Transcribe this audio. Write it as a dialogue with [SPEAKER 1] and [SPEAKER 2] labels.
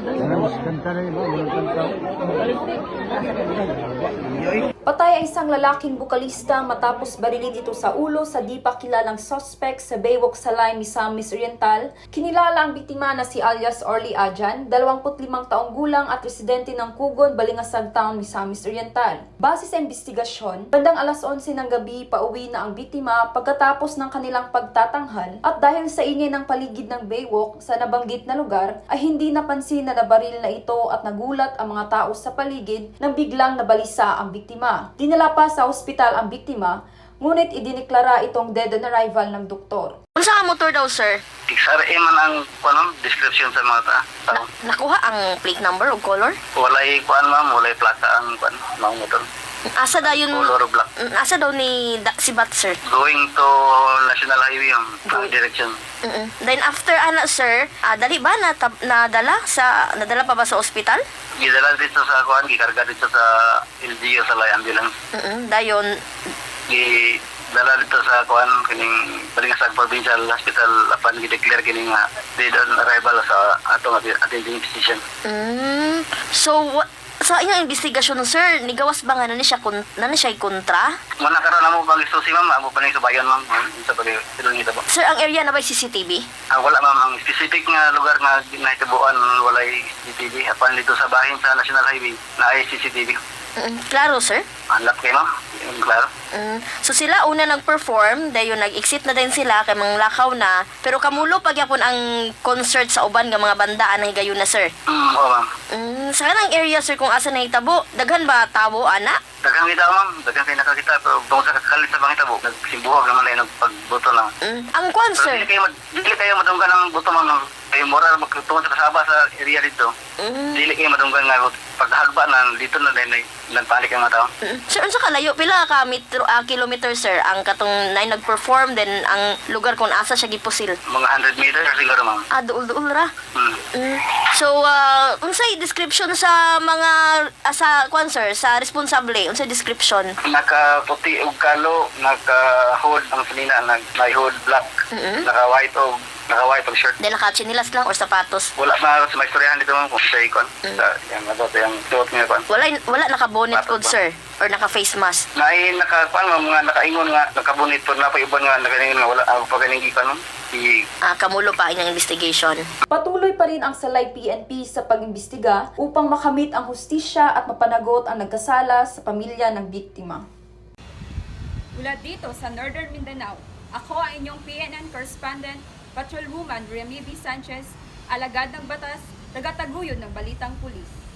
[SPEAKER 1] Patay ang isang lalaking bukalista matapos barilin ito sa ulo sa di pa kilalang suspect sa Baywalk Salay, Misamis Oriental. Kinilala ang biktima na si alias Orly Ajan, 25 taong gulang at residente ng Kugon, Balingasag Town, Misamis Oriental. Base sa investigasyon, bandang alas 11 ng gabi pauwi na ang biktima pagkatapos ng kanilang pagtatanghal at dahil sa ingay ng paligid ng Baywalk sa nabanggit na lugar ay hindi napansin na nabaril na ito at nagulat ang mga tao sa paligid nang biglang nabalisa ang biktima. Dinala pa sa ospital ang biktima, ngunit idineklara itong dead on arrival ng doktor.
[SPEAKER 2] Unsa ka motor daw, sir?
[SPEAKER 3] XRA man ang description sa mga tao.
[SPEAKER 2] Nakuha ang plate number o color?
[SPEAKER 3] Walay kuan ma'am, walay plaka ang kuan, mga motor.
[SPEAKER 2] Asa daw yun?
[SPEAKER 3] Color black.
[SPEAKER 2] Asa daw ni si Bat, sir?
[SPEAKER 3] Going to National Highway yung direction.
[SPEAKER 2] Then after sir, dali ba nadala pa ba sa ospital?
[SPEAKER 3] Gidala dito sa kuan, gikarga dito sa LGU sa Lay Ambulance.
[SPEAKER 2] Dayon
[SPEAKER 3] Dala dito sa kuan kining Balingasag Provincial Hospital apan gi-declare kining dead on arrival sa atong attending physician.
[SPEAKER 2] So sa inyong investigasyon, sir, nigawas ba nga na siya kontra?
[SPEAKER 3] Muna karon amo pang isusi ma'am, amo pa ning subayon ma'am sa pagdilong ito ba.
[SPEAKER 2] Sir, ang area na ba CCTV?
[SPEAKER 3] Wala ma'am, ang specific nga lugar nga nahitabuan walay CCTV apan dito sa bahin sa National Highway na ay CCTV.
[SPEAKER 2] Klaro, sir?
[SPEAKER 3] Hanap kayo ma'am, klaro.
[SPEAKER 2] So sila una nag-perform, dayon nag-exit na din sila kay manglakaw na, pero kamulo pagyapon ang concert sa uban nga mga bandaan na higayon na, sir.
[SPEAKER 3] Oo ma'am.
[SPEAKER 2] Sa kanang area, sir, kung asa nahitabo, daghan ba tao, ana?
[SPEAKER 3] Daghang kita ma'am, daghang kayo nakakita pero bang sa kakalit sa bang itabo, nagsimbuhag naman lang nagpagbuto lang.
[SPEAKER 2] Ang kwan,
[SPEAKER 3] Pero
[SPEAKER 2] sir?
[SPEAKER 3] dili kayo madunggan ng buto ma'am, kayo moral magtungkol sa kasaba sa area dito. Dili kayo madunggan nga pagdahagba na dito na din nagpalik ang mga tao.
[SPEAKER 2] Sir, unsa kalayo pila ka kilometer, sir, ang katong nay nag-perform then ang lugar kung asa siya gipusil?
[SPEAKER 3] Mga 100 meters siguro ma'am.
[SPEAKER 2] Duul ra. So, unsay description sa mga sa kwan, sir, sa responsable? Unsay description?
[SPEAKER 3] Nakaputi og kalo, naka-hood ang sinina, naka-hood black, naka-white og shirt.
[SPEAKER 2] Then naka-chinilas lang or sapatos?
[SPEAKER 3] Wala na sa maistoryahan dito ma'am kung siya ikon. Yung suot nga ikon.
[SPEAKER 2] Wala naka-bonnet pod, sir, or naka-face mask?
[SPEAKER 3] Naay mga nakaingon nga, nakabunit po na pa iban nga, nakaingon nga, wala ako pa ganing gikan no.
[SPEAKER 2] Kamulo pa inyong investigation.
[SPEAKER 1] Patuloy pa rin ang Salay PNP sa pag-imbestiga upang makamit ang hustisya at mapanagot ang nagkasala sa pamilya ng biktima.
[SPEAKER 4] Mula dito sa Northern Mindanao, ako ang inyong PNN correspondent, Patrolwoman Remy B. Sanchez, alagad ng batas, tagataguyod ng Balitang Pulis.